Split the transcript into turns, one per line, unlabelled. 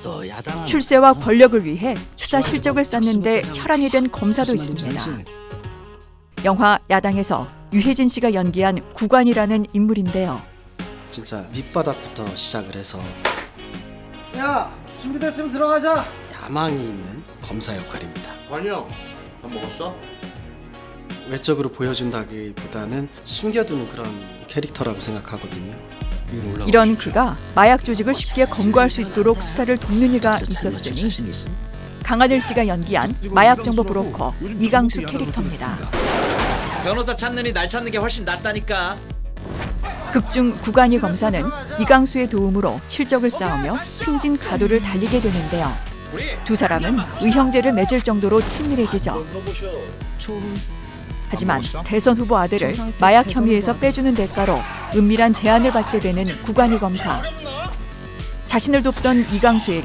출세와 권력을 위해 수사 실적을 쌓는데 혈안이 된 검사도 있습니다. 영화 야당에서 유해진 씨가 연기한 구관이라는 인물인데요.
진짜 밑바닥부터 시작을 해서
야, 준비됐으면 들어가자.
야망이 있는 검사 역할입니다.
관이 형, 밥 먹었어?
외적으로 보여준다기보다는 숨겨두는 그런 캐릭터라고 생각하거든요.
이런 그가 마약 조직을 쉽게 검거할 수 있도록 수사를 돕는 이가 있었으니 강하늘 씨가 연기한 마약 정보 브로커 이강수 캐릭터입니다.
변호사 찾느니 날 찾는 게 훨씬 낫다니까.
극중 구간이 검사는 이강수의 도움으로 실적을 쌓으며 승진 가도를 달리게 되는데요. 두 사람은 의형제를 맺을 정도로 친밀해지죠. 하지만 대선 후보 아들을 마약 혐의에서 빼주는 대가로 은밀한 제안을 받게 되는 구간이 검사. 자신을 돕던 이강수에게